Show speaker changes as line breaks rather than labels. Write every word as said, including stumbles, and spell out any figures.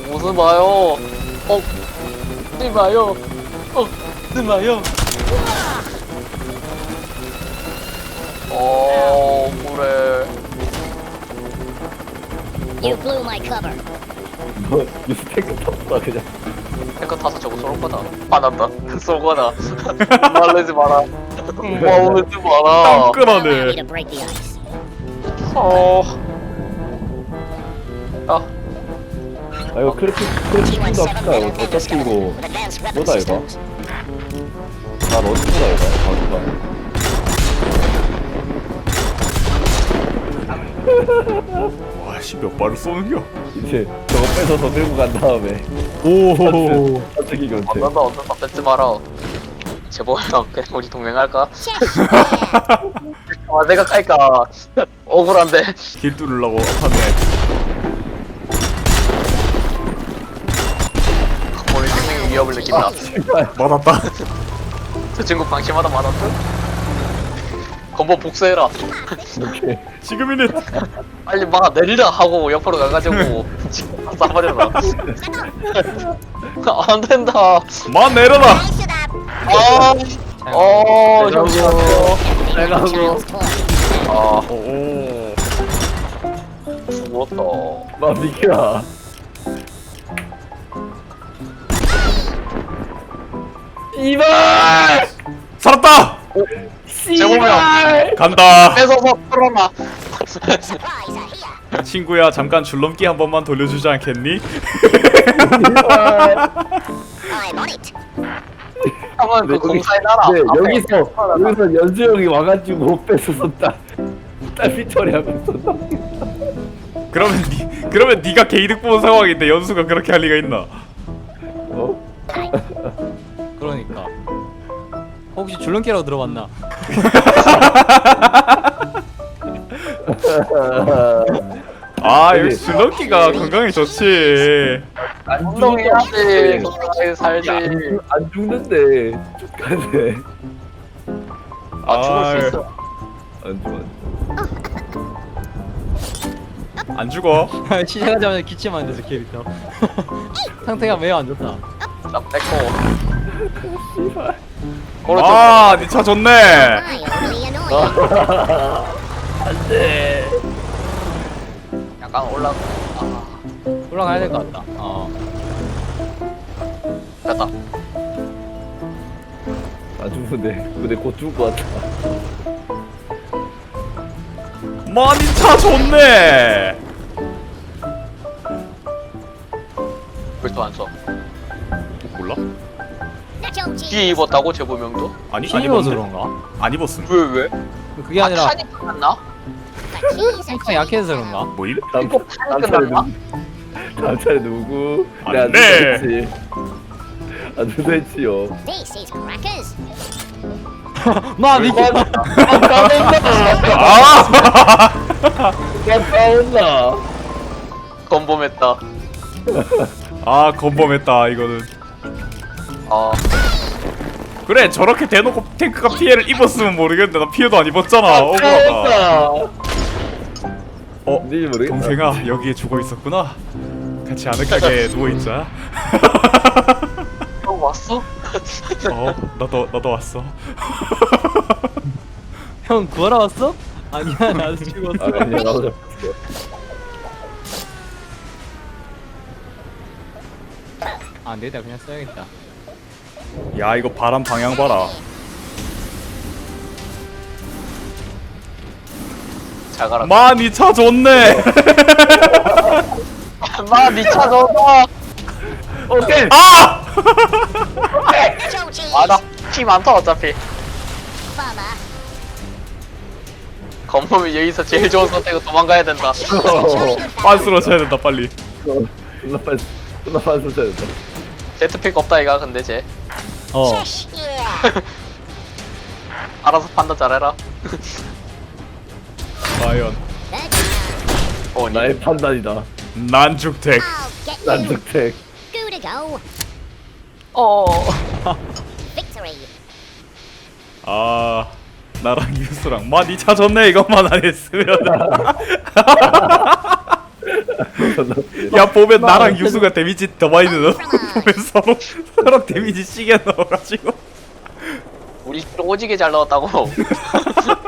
무슨 마요? 어, 쓰지 마요. 어, 쓰지 마요. 어, 그래.
You blew my cover.
너 유스테크 탔다 그냥.
탱크 타서 저거 쏠 거다. 화난다. 쏠 거다. 말르지 마라. 말르지 마라.
Allow me
끈하네.
to break the ice.
어. 아,
아 이거 크래픽 크래픽도 합시다. 이거 어차피 이거
With advanced weapon
뭐다 이거?
systems.
난 어디다 이거? 가수가.
와씨 몇 발을 쏘는겨?
이제 저거 뺏어서 들고 간 다음에
오.
어떻게 견제?
언젠가 언젠가 뺏지 마라. 제보랑 그냥 우리 동맹할까? 아, 내가 갈까? 억울한데.
길 뚫으려고 하네.
우리 생명의 위협을 느낀다.
씨발.
맞았다.
저 친구 방심하다 맞았어? 건보 복수해라.
오케이.
지금이네.
빨리 막 내리라 하고 옆으로 가가지고 지금 쏴버려라. 안 된다.
만 내려라.
Nice it up.
아, 어,
내가고.
잠시만요.
내가고.
Child's toy.
아,
오.
죽었다.
나 비키라. 이발!
살았다.
제보면
간다.
뺏어서 풀어놔.
Supplies are here.
친구야 잠깐 줄넘기 한 번만 돌려주지 않겠니?
이발!
I'm on it.
한번 그 공사해놔라.
네,
앞에.
여기서 여기서 연수 형이 와가지고 뺏어서 딱딱 피처리하면서
그러면 니 그러면 네가 개이득 보는 상황인데 연수가 그렇게 할 리가 있나?
어?
그러니까 혹시 줄넘기라고 들어봤나?
아 역시 줄넘기가 건강에 좋지.
안
운동해야지. 건강하게 살지.
안, 죽- 안 죽는데 죽가네.
아, 죽을
아유.
수 있어.
안 죽어.
안 죽어.
시작하자마자 기침하는 데서 캐릭터 상태가 매우 안 좋다.
나 뺏고.
씨발.
오른쪽.
아, 니 차 좋네.
Mildly annoying.
안돼.
약간 올라. 아,
올라가야 될 것 같다. 어.
됐다.
안 죽는데 근데 곧 죽을 것 같아.
많이 차 좋네.
왜또 안 써?
몰라?
Nacho cheese.
뒤에 입었다고 제보명도?
아니 안
힘입어서
입었는데.
그런가?
안 입었음.
왜 왜?
그게
아,
아니라
탄이 끝났나?
The cheese
상태가
are
약해서 그런가?
뭐임?
다음
이거
다음
판이
차례
끝났나?
누구? 다음 차례 누구?
안
내가
돼.
누구였지? 아 누구였지요?
This is crackers.
마 니키.
아.
나 싸웠나?
건범했다.
아 건범했다 이거는.
아,
그래 저렇게 대놓고 탱크가 피해를 입었으면 모르겠는데 나 피해도 안 입었잖아. 억울하다. 어
뭔지 모르겠다.
동생아 여기에 죽어 있었구나. 같이 아늑하게 누워 있자.
형 왔어?
어 나도 나도 왔어.
형 구하러 왔어? 아니야 나도 죽었어.
아 아니야 나도 잡혔어.
아, 안 되겠다. 그냥 써야겠다.
야 이거 바람 방향 봐라.
잘 가라.
많이 차 좋네.
마, 니차 넣어봐.
오케이.
아!
Nacho cheese.
아, 나피 많다, 어차피.
Farmer.
건범이 여기서 제일 좋은 선택은 도망가야 된다.
빤스로 쳐야 된다 빨리.
존나 빨리 존나 빨리 쏟아야 된다.
제트픽 없다, 이가, 근데 쟤.
어.
Shush. Yeah.
알아서 판단 잘해라.
과연
Good to know.
어, 니.
나의 판단이다.
난죽택.
I'll get you.
난득택.
Good to go.
어.
Victory.
아 나랑 유수랑 많이 차 좋네 이것만 안 했으면. 야 보면 나랑 유수가 데미지 더 많이 넣어. 보면 서로 서로 데미지 시계 넣어가지고.
우리 오지게 잘 나왔다고.